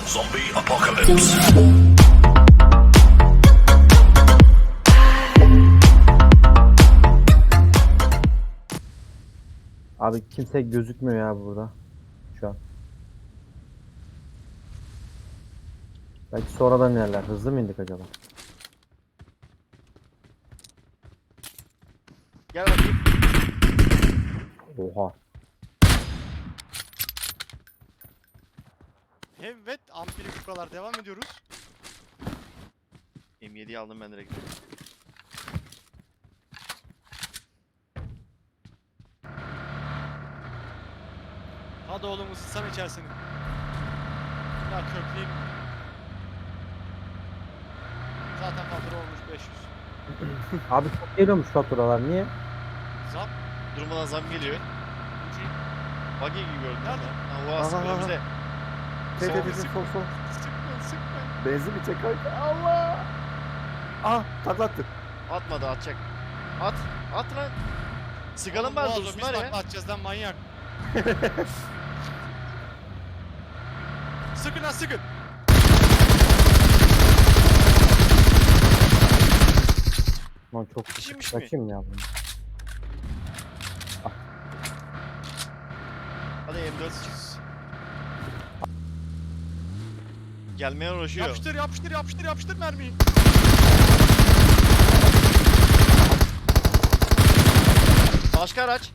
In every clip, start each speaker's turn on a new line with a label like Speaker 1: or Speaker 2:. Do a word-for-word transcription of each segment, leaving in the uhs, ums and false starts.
Speaker 1: Zombie apocalypse.
Speaker 2: Abi kimse gözükmüyor ya burada. Şu an. Belki sonradan inerler. Hızlı mı indik acaba?
Speaker 3: Gel bakayım.
Speaker 2: Oha.
Speaker 4: Evet, ampili kukalar devam ediyoruz.
Speaker 3: M yediyi aldım ben direkt.
Speaker 4: Hadi oğlum ısıtsam içerisini. Ya kökleyeyim. Zaten fatura olmuş beş yüz.
Speaker 2: Abi çok geliyormuş faturalar. Niye?
Speaker 4: Zam.
Speaker 3: Durmadan zam geliyor. Buggy gibi gördün
Speaker 4: Nerede?
Speaker 3: değil mi? Ha o
Speaker 5: Aha,
Speaker 3: aslında
Speaker 5: aha.
Speaker 3: önümüzde.
Speaker 5: Tete
Speaker 3: Sol,
Speaker 5: tete
Speaker 3: sık-
Speaker 5: sol sol.
Speaker 4: Sıkmayın sıkmayın.
Speaker 5: Benzin mi çek kanka? Allah! Ah taklattı.
Speaker 3: Atmadı atacak. At. At lan. Sıkalım
Speaker 4: Oğlum,
Speaker 3: bari
Speaker 4: boğaz o,
Speaker 3: dursunlar
Speaker 4: biz
Speaker 3: ya.
Speaker 4: takla atacağız lan manyak. Sıkın lan sıkın.
Speaker 2: Lan çok
Speaker 3: Kişiymiş mi?
Speaker 2: kaçayım ya bunu.
Speaker 3: Hadi M dört. Gelmeye uğraşıyor.
Speaker 4: Yapıştır yapıştır yapıştır yapıştır mermiyi.
Speaker 3: Başka araç.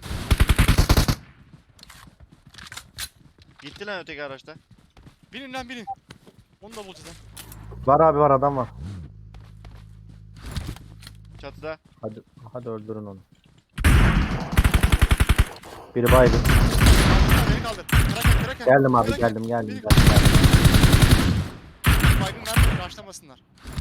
Speaker 3: Gitti lan öteki araçta.
Speaker 4: Binin lan binin. Onu da bulacağız lan.
Speaker 2: Var abi var adam var.
Speaker 3: Çatıda.
Speaker 2: Hadi hadi öldürün onu. Biri baygın.
Speaker 4: Kaldır, beni kaldır. Kraken kraken.
Speaker 2: Geldim abi
Speaker 4: Kraken.
Speaker 2: geldim geldim.
Speaker 4: Beni
Speaker 2: geldim.
Speaker 4: Baygın vermeyin, raşlamasınlar.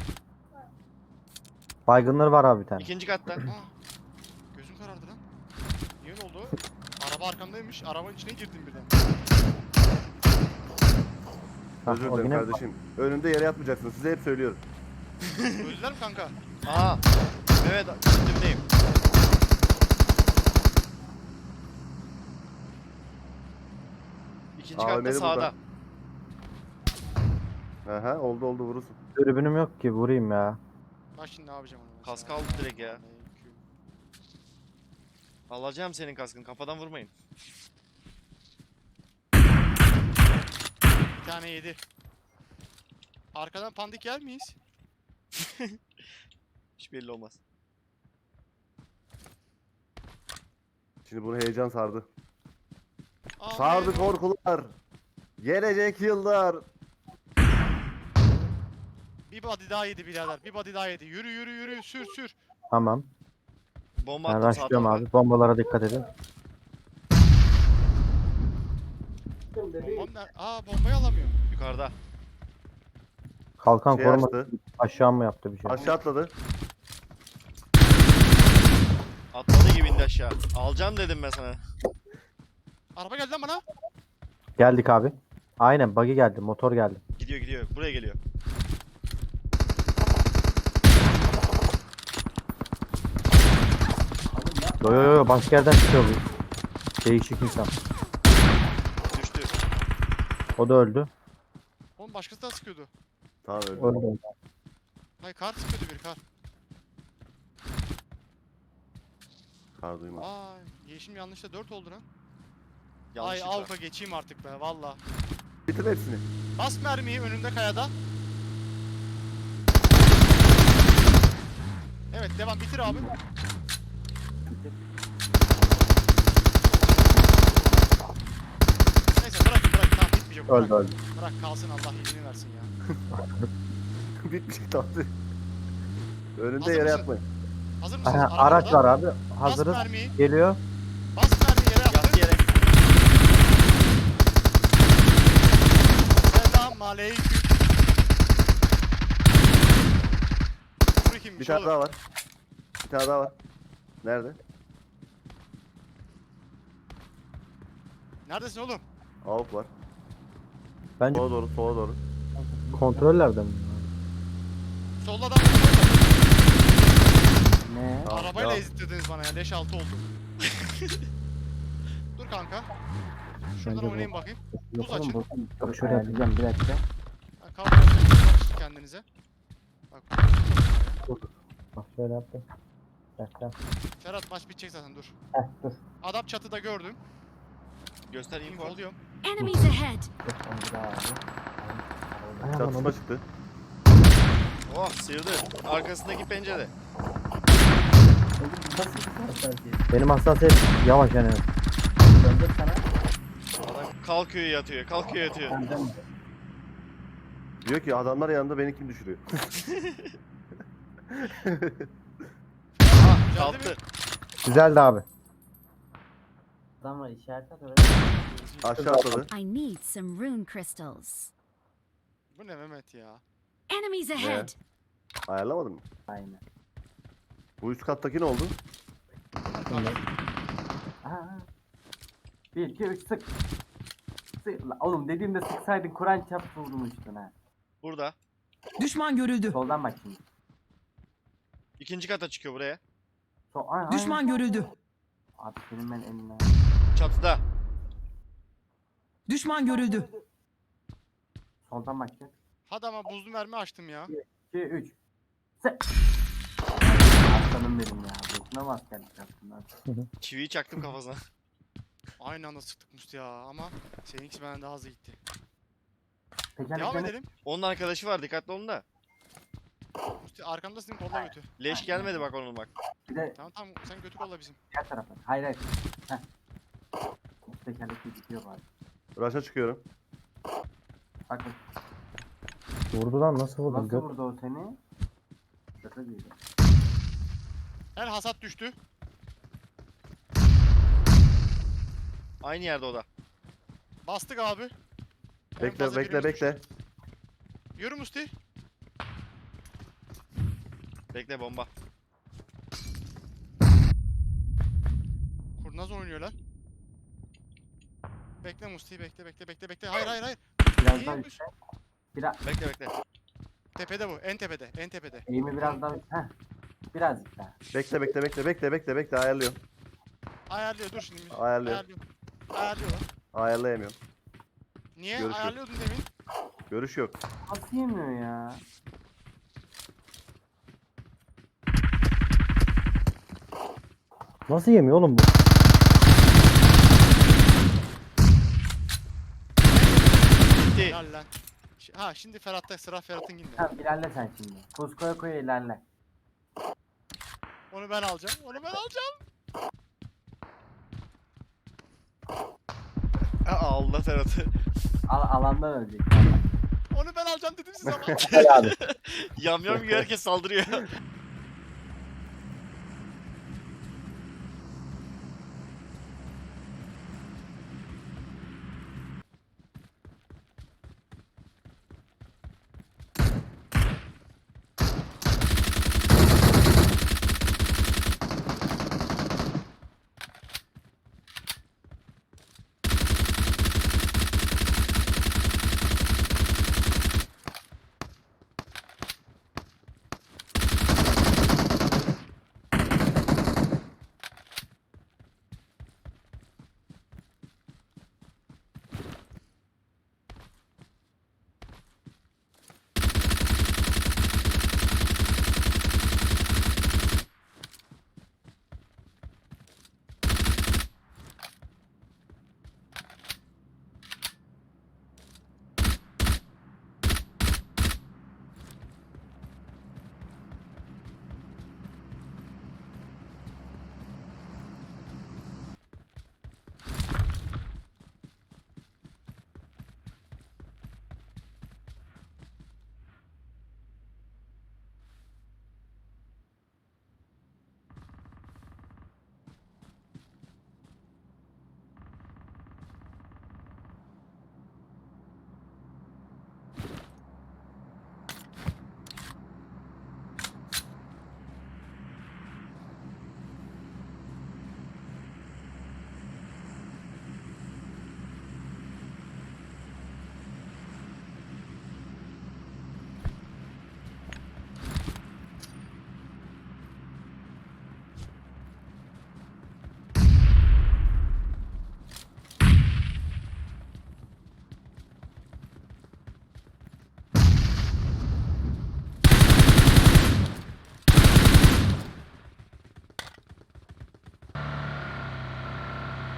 Speaker 2: Baygınları var abi bir tane.
Speaker 3: İkinci katta.
Speaker 4: Aa, gözüm karardı lan. Niye ne oldu? Araba arkamdaymış, arabanın içine girdim birden.
Speaker 2: Hah,
Speaker 5: Özür
Speaker 2: o
Speaker 5: dilerim
Speaker 2: yine-
Speaker 5: kardeşim. Önünde yere yatmayacaksınız. Size hep söylüyorum.
Speaker 4: Öldüler mi kanka?
Speaker 3: Aha. Evet üstümdeyim. İkinci
Speaker 5: Aa,
Speaker 3: katta
Speaker 5: Ömer'i
Speaker 3: sağda.
Speaker 5: burada. Aha oldu oldu vurursun.
Speaker 2: Dürbünüm yok ki vurayım ya.
Speaker 4: Bak şimdi ne yapacağım onu.
Speaker 3: Kask aldı direkt ya. Alacağım senin kaskını, kafadan vurmayın.
Speaker 4: Bir tane yedi. Arkadan pandik yer miyiz?
Speaker 3: Hiç belli olmaz.
Speaker 5: Şimdi bunu heyecan sardı.
Speaker 4: Amin.
Speaker 5: Sardı korkular. Gelecek yıllar.
Speaker 4: Bir body daha yedi birader. Bir body daha yedi. Yürü yürü yürü sür sür.
Speaker 2: Tamam.
Speaker 3: Bomba
Speaker 2: Ben
Speaker 3: attım sağ
Speaker 2: rushlıyorum
Speaker 3: tarafa.
Speaker 2: abi. Bombalara dikkat edin.
Speaker 4: Bombam ne? Aa bombayı alamıyorum.
Speaker 3: Yukarıda.
Speaker 2: Kalkan
Speaker 5: Şey
Speaker 2: koruma
Speaker 5: açtı.
Speaker 2: aşağı mı yaptı bir şey?
Speaker 5: Aşağı atladı.
Speaker 3: Atladı gibi indi aşağı. Alacağım dedim ben sana.
Speaker 4: Araba geldi lan bana.
Speaker 2: Geldik abi. Aynen buggy geldi. Motor geldi.
Speaker 3: Gidiyor gidiyor. Buraya geliyor.
Speaker 2: Yo yo yo başka yerden çıkıyor bu. Değişik insan.
Speaker 3: Düştü.
Speaker 2: O da öldü.
Speaker 4: Oğlum başkası da sıkıyordu.
Speaker 5: Tamam öldü.
Speaker 2: Öldü.
Speaker 4: Hayır kar sıkıyordu bir kar.
Speaker 5: Kar duyma.
Speaker 4: Aa yeşim yanlışla dört oldu lan. Ay
Speaker 3: Yanlışlıkla.
Speaker 4: Avka geçeyim artık be valla.
Speaker 5: Bitir hepsini.
Speaker 4: Bas mermiyi önünde kayada. Evet devam bitir abi. Neyse bırak bırak tamam bitmeyecek.
Speaker 2: Öldü
Speaker 4: bırak.
Speaker 2: öldü.
Speaker 4: Bırak kalsın Allah iyiliğini versin ya.
Speaker 5: Bitmiş tatlı. Önünde
Speaker 4: Hazır
Speaker 5: yere
Speaker 4: mısın?
Speaker 5: yatmayın.
Speaker 4: Hazır mısınız?
Speaker 2: Aha,
Speaker 4: Araba
Speaker 2: araç
Speaker 4: orada.
Speaker 2: var abi.
Speaker 4: Bas
Speaker 2: Hazırız.
Speaker 4: mermiyi.
Speaker 2: Geliyor.
Speaker 4: Bas mermiyi yere
Speaker 3: Yat
Speaker 4: yaptı.
Speaker 3: yere.
Speaker 4: Selam aleyküm. Dur kimmiş
Speaker 5: Bir tane
Speaker 4: oğlum?
Speaker 5: daha var. Bir tane daha var. Nerede?
Speaker 4: Neredesin oğlum?
Speaker 5: Avuk var.
Speaker 2: Bence
Speaker 5: Sola doğru, sola doğru.
Speaker 2: kontrollerde mi?
Speaker 4: Solda adam var.
Speaker 2: Ne?
Speaker 5: Tamam,
Speaker 4: Arabayla
Speaker 5: devam.
Speaker 4: ezittirdiniz bana ya. Leş altı oldu. Dur kanka. Şuradan
Speaker 2: Bence bu-
Speaker 4: oynayayım bakayım. Buz
Speaker 2: Yapalım
Speaker 4: açın.
Speaker 2: bakalım. Bak şöyle yapacağım bir dakika.
Speaker 4: kendinize. Bak.
Speaker 2: Bak şöyle yaptım. Bekle.
Speaker 4: Ferhat maç bitecek zaten dur.
Speaker 2: Heh dur.
Speaker 4: Adam çatıda gördüm.
Speaker 3: Göster info.
Speaker 4: Info alıyorum.
Speaker 1: Enemies ahead!
Speaker 2: Dur, onu bir daha aldım. Ay, aman
Speaker 5: Çatışma
Speaker 2: Allah'ım.
Speaker 5: çıktı.
Speaker 3: Oh sıyırdı. Arkasındaki pencere.
Speaker 2: Nasıl bir hassasiyet? Benim hassasiyet yavaş yani. Döndür sana.
Speaker 3: Adam kalkıyor yatıyor. Kalkıyor yatıyor.
Speaker 2: Ben dön.
Speaker 5: Diyor ki adamlar yanında beni kim düşürüyor?
Speaker 3: Aha
Speaker 4: Geldi
Speaker 3: kalktı.
Speaker 4: mi?
Speaker 2: Güzeldi abi.
Speaker 6: Adam var işaret at oraya.
Speaker 5: Aşağı atladı.
Speaker 1: I need some rune crystals.
Speaker 4: Bu ne Mehmet ya?
Speaker 1: Enemies ahead!
Speaker 5: Ayarlamadın mı?
Speaker 6: Aynen.
Speaker 5: Bu üst kattaki ne oldu?
Speaker 6: Aha. Bir, iki, üç sık. Sık. La oğlum dediğimde sıksaydın Kur'an çarptı vurdum üstüne. ha.
Speaker 3: Burada.
Speaker 7: Düşman görüldü.
Speaker 6: Soldan bak şimdi.
Speaker 3: İkinci kata çıkıyor buraya.
Speaker 6: Sol, ay,
Speaker 7: Düşman
Speaker 6: aynen.
Speaker 7: görüldü.
Speaker 6: Abi senin ben eline.
Speaker 3: Çatıda.
Speaker 7: Düşman görüldü.
Speaker 6: Soldan bakacak.
Speaker 4: Hadi ama buzlu mermi açtım ya.
Speaker 6: iki, üç. Sık. Aslanım benim ya. Boşuna mı askerlik yaptın lan?
Speaker 3: Çiviyi çaktım kafasına.
Speaker 4: Aynı anda sıktık Musti ya ama seninkisi benden daha hızlı gitti.
Speaker 6: Tekerlek
Speaker 4: Devam
Speaker 6: demek-
Speaker 3: Onun
Speaker 4: edelim.
Speaker 3: arkadaşı var dikkatli olun da.
Speaker 4: Musti arkamdasın kolla götü.
Speaker 3: Leş gelmedi bak onun bak.
Speaker 6: Bir de
Speaker 4: Tamam tamam sen götü kolla bizim.
Speaker 6: diğer tarafa. Hayır hayır. Heh. Bu tekerlek gidiyor bari.
Speaker 5: Raşa çıkıyorum.
Speaker 6: Bak bak.
Speaker 2: Vurdu lan nasıl vurdu?
Speaker 6: Nasıl
Speaker 2: Gök.
Speaker 6: vurdu o seni? Şaka değil.
Speaker 4: Her hasat düştü.
Speaker 3: Aynı yerde o da.
Speaker 4: Bastık abi. En
Speaker 5: Bekle
Speaker 4: fazla
Speaker 5: bekle
Speaker 4: birimiz
Speaker 5: bekle.
Speaker 4: düştü. Yürü Musti.
Speaker 3: Bekle bomba.
Speaker 4: Kurnaz oynuyorlar. Bekle Musti bekle bekle bekle bekle. Hayır hayır hayır.
Speaker 6: Biraz
Speaker 4: İyi
Speaker 6: daha
Speaker 4: yapmış.
Speaker 6: üstte. Biraz
Speaker 3: Bekle bekle.
Speaker 4: Tepede bu. En tepede. En tepede.
Speaker 6: eğimi biraz daha heh. Birazcık daha.
Speaker 5: Bekle bekle bekle bekle bekle bekle ayarlıyorum.
Speaker 4: Ayarlıyor dur şimdi.
Speaker 5: Ayarlıyor.
Speaker 4: Ayarlıyor. Ayarlıyor lan.
Speaker 5: Ayarlayamıyorum.
Speaker 4: Niye?
Speaker 5: Görüşürüz.
Speaker 4: Ayarlıyordun demin.
Speaker 5: Görüş yok.
Speaker 6: Nasıl yemiyor ya?
Speaker 2: Nasıl yemiyor oğlum bu?
Speaker 3: Bitti.
Speaker 4: Helal lan. Ş- Ha şimdi Ferhat'ta sıra Ferhat'ın ginde.
Speaker 6: Tamam ilerle sen şimdi. Tuz koya koya ilerle.
Speaker 4: Onu ben alacağım. Onu ben alacağım.
Speaker 3: Aa, Allah Ferhat'ı.
Speaker 6: Al alandan ölecek.
Speaker 4: Onu ben alacağım dedim size ama.
Speaker 2: Gel abi.
Speaker 3: Yam yam gibi herkes saldırıyor.